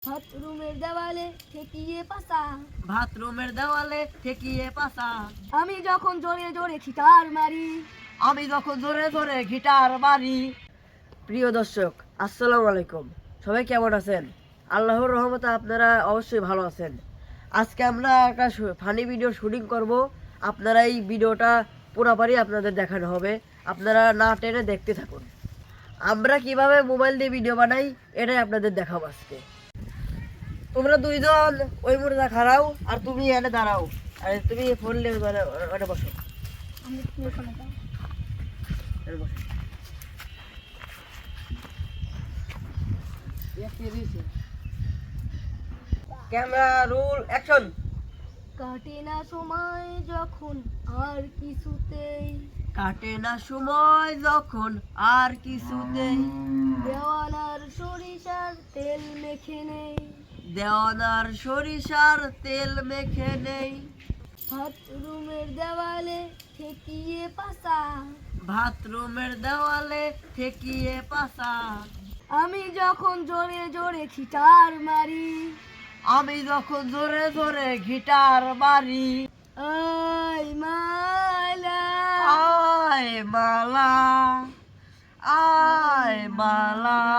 বাথরুমের দেওয়ালে ঠেকিয়ে পাসা, বাথরুমের দেওয়ালে ঠেকিয়ে পাসা, আমি যখন জোরে জোরে গিটার মারি, আমি যখন জোরে জোরে গিটার মারি। প্রিয় দর্শক, আসসালামু আলাইকুম। সবাই কেমন আছেন? আল্লাহর রহমতে আপনারা অবশ্যই ভালো আছেন। আজকে আমরা একটা ফানি ভিডিও শুটিং করব। আপনারা এই ভিডিওটা পুরোপুরি আপনাদের দেখানো হবে, আপনারা না টেনে দেখতে থাকুন। আমরা কিভাবে মোবাইল দিয়ে ভিডিও বানাই এটাই আপনাদের দেখাবো আজকে। তোমরা দুইজন ওই মোড়ে খাড়াও আর তুমি এনে দাঁড়াও, আর তুমি ফোন নিয়ে ওটা বসো। আমি ওখানে যাই। এনে বসো। Camera roll action. কাটে না সময় যখন আর কিছুতেই, কাটে না সময় যখন আর কিছুতেই, দেওয়ানার সরিষার তেল মেখে নেই, দেওয়ানার সরিষার তেল মেখে নেই, বাথরুমের দেওয়ালে ঠেকিয়ে পাসা, বাথরুমের দেওয়ালে ঠেকিয়ে পাসা, আমি যখন জোরে জোরে গিটার মারি, আমি যখন জোরে জোরে গিটার মারি। আই মালা, আয় মালা, আয় মালা,